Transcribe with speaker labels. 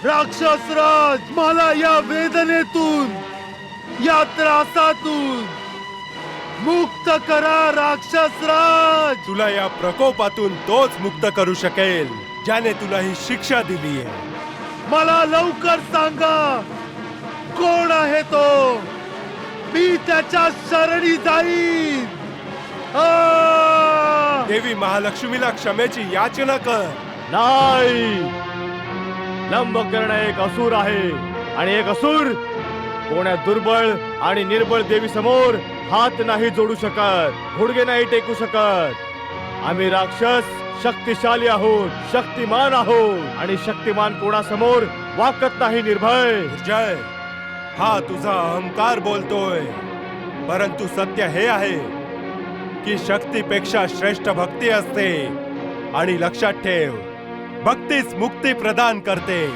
Speaker 1: राक्षसराज, मला या वेदनेतून, या त्रासातून मुक्त करा राक्षसराज.
Speaker 2: तुला या प्रकोपातून तोच मुक्त करू शकेल ज्याने तुला ही शिक्षा दिली आहे.
Speaker 1: मला लवकर सांगा, कोण आहे तो? मी त्याच्या शरणी जाईन.
Speaker 2: देवी महालक्ष्मीला क्षमेची याचना कर.
Speaker 1: नाही, लंबकर्ण एक असुर आहे आणि एक असुर कोण्या दुर्बळ आणि निर्बळ देवी समोर हात नाही जोडू शकत, गुडघे नाही टेकू शकत. आम्ही राक्षस शक्तिशाली आहोत, शक्तिमान आहोत आणि शक्तिमान कोणासमोर वाकत नाही निर्भय.
Speaker 2: जय, हा तुझा अहंकार बोलतोय, परंतु सत्य हे आहे की शक्तीपेक्षा श्रेष्ठ भक्ती असते. आणि लक्षात ठेव, भक्तीच मुक्ती प्रदान करते.